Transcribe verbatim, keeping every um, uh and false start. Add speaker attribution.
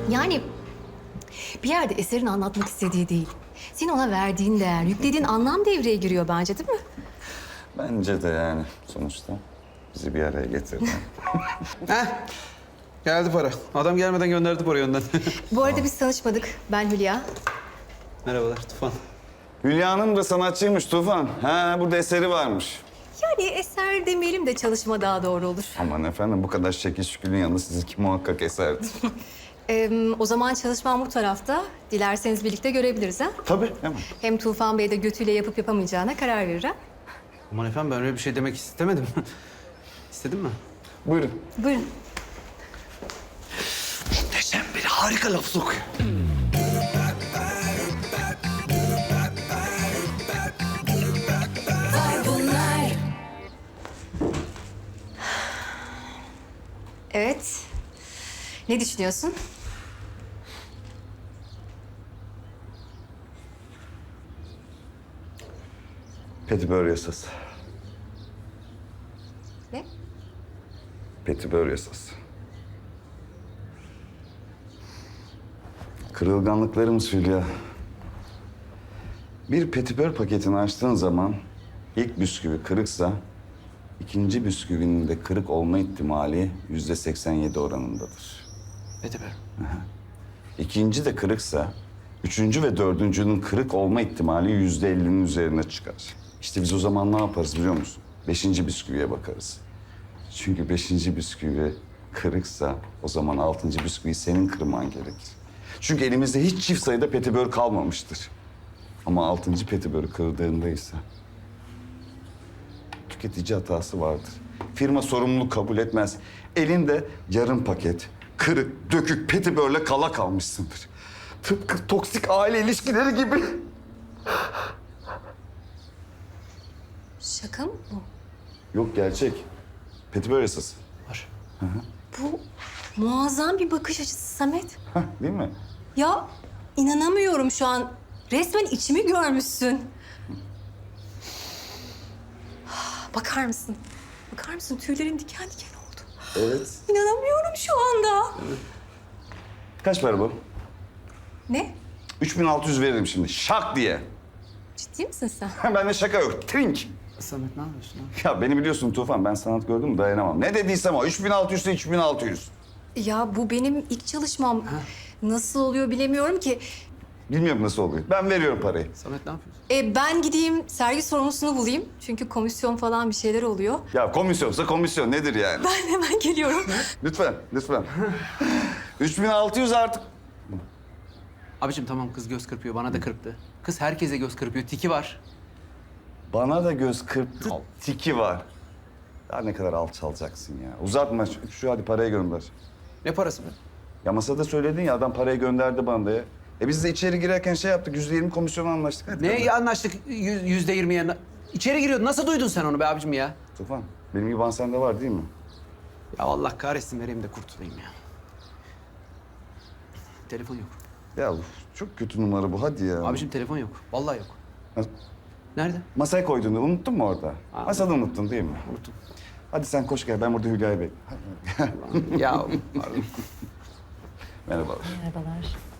Speaker 1: Yani bir yerde eserin anlatmak istediği değil. Senin ona verdiğin değer, yüklediğin anlam devreye giriyor bence, değil mi?
Speaker 2: Bence de yani sonuçta bizi bir araya getirdi.
Speaker 3: Heh. Geldi para. Adam gelmeden gönderdi parayı önden.
Speaker 1: Bu arada biz tanışmadık. Ben Hülya.
Speaker 3: Merhabalar Tufan.
Speaker 2: Hülya Hanım da sanatçıymış Tufan. Ha, burada eseri varmış.
Speaker 1: Yani eser demeyelim de çalışma daha doğru olur.
Speaker 2: Aman efendim bu kadar şekil şükürün yanında sizinki muhakkak eserdi.
Speaker 1: Ee, o zaman çalışmam bu tarafta. Dilerseniz birlikte görebiliriz ha.
Speaker 2: Tabii hemen.
Speaker 1: Hem Tufan Bey de götüyle yapıp yapamayacağına karar verir ha.
Speaker 3: Aman efendim ben öyle bir şey demek istemedim. İstedin mi?
Speaker 2: Buyurun.
Speaker 1: Buyurun.
Speaker 3: Muhteşem bir harika laf sokuyor.
Speaker 1: Evet. Ne düşünüyorsun?
Speaker 2: Petibör yasası.
Speaker 1: Ne?
Speaker 2: Petibör yasası. Kırılganlıklarımız Hülya. Bir petibör paketini açtığın zaman ilk bisküvi kırıksa ikinci bisküvinin de kırık olma ihtimali yüzde seksen yedi oranındadır.
Speaker 3: Petibör.
Speaker 2: İkinci de kırıksa üçüncü ve dördüncünün kırık olma ihtimali yüzde ellinin üzerine çıkar. İşte biz o zaman ne yaparız biliyor musun? Beşinci bisküviye bakarız. Çünkü beşinci bisküvi kırıksa o zaman altıncı bisküviyi senin kırman gerekir. Çünkü elimizde hiç çift sayıda petibör kalmamıştır. Ama altıncı petibörü kırdığında ise tüketici hatası vardır. Firma sorumluluk kabul etmez. Elinde yarım paket, kırık, dökük petibörle kala kalmışsındır. Tıpkı toksik aile ilişkileri gibi.
Speaker 1: Şaka mı bu?
Speaker 2: Yok gerçek. Petibör yasası.
Speaker 3: Var.
Speaker 1: Bu muazzam bir bakış açısı Samet.
Speaker 2: Hah, değil mi?
Speaker 1: Ya inanamıyorum şu an. Resmen içimi görmüşsün. Bakar mısın? Bakar mısın? Tüylerim diken diken oldu.
Speaker 2: Evet.
Speaker 1: İnanamıyorum şu anda.
Speaker 2: Kaç para bu?
Speaker 1: Ne?
Speaker 2: üç bin altı yüz veririm şimdi. Şak diye.
Speaker 1: Ciddi misin sen?
Speaker 2: Bende şaka yok. Trink.
Speaker 3: Samet ne yapıyorsun abi?
Speaker 2: Ya beni biliyorsun Tufan. Ben sanat gördüm mü dayanamam. Ne dediysem o. üç bin altı yüz ise üç bin altı yüz.
Speaker 1: Ya bu benim ilk çalışmam. Nasıl oluyor bilemiyorum ki.
Speaker 2: Bilmiyorum nasıl oluyor. Ben veriyorum parayı.
Speaker 3: Samet ne yapıyorsun?
Speaker 1: E, ben gideyim sergi sorumlusunu bulayım. Çünkü komisyon falan bir şeyler oluyor.
Speaker 2: Ya komisyonsa komisyon nedir yani?
Speaker 1: Ben hemen geliyorum.
Speaker 2: Lütfen, lütfen. üç bin altı yüz artık.
Speaker 3: Abicim tamam kız göz kırpıyor bana da kırptı. Kız herkese göz kırpıyor tiki var.
Speaker 2: Bana da göz kırptı, tiki var. Ya ne kadar alçalacaksın ya. Uzatma şu, şu hadi parayı gönder.
Speaker 3: Ne parası be?
Speaker 2: Ya masada söyledin ya adam parayı gönderdi bana da ya. E biz de içeri girerken şey yaptık, yüzde yirmi komisyona anlaştık. Hadi
Speaker 3: Ne
Speaker 2: gönder.
Speaker 3: anlaştık yüz- yüzde yirmiye? İçeri giriyordu. Nasıl duydun sen onu be abicim ya?
Speaker 2: Tufan, benim gibi sende var değil mi?
Speaker 3: Ya Allah kahretsin vereyim de kurtulayım ya. Telefon yok.
Speaker 2: Ya uf, çok kötü numara bu, hadi ya.
Speaker 3: Abicim telefon yok. Vallahi yok.
Speaker 2: Mas-
Speaker 3: Nerede?
Speaker 2: Masaya koyduğunu unuttun mu orada?
Speaker 3: Aa.
Speaker 2: Masada unuttun değil mi?
Speaker 3: Unuttum.
Speaker 2: Hadi sen koş gel, ben burada Hülya'yı bekliyorum.
Speaker 3: Ya pardon.
Speaker 2: Merhabalar.
Speaker 1: Merhabalar.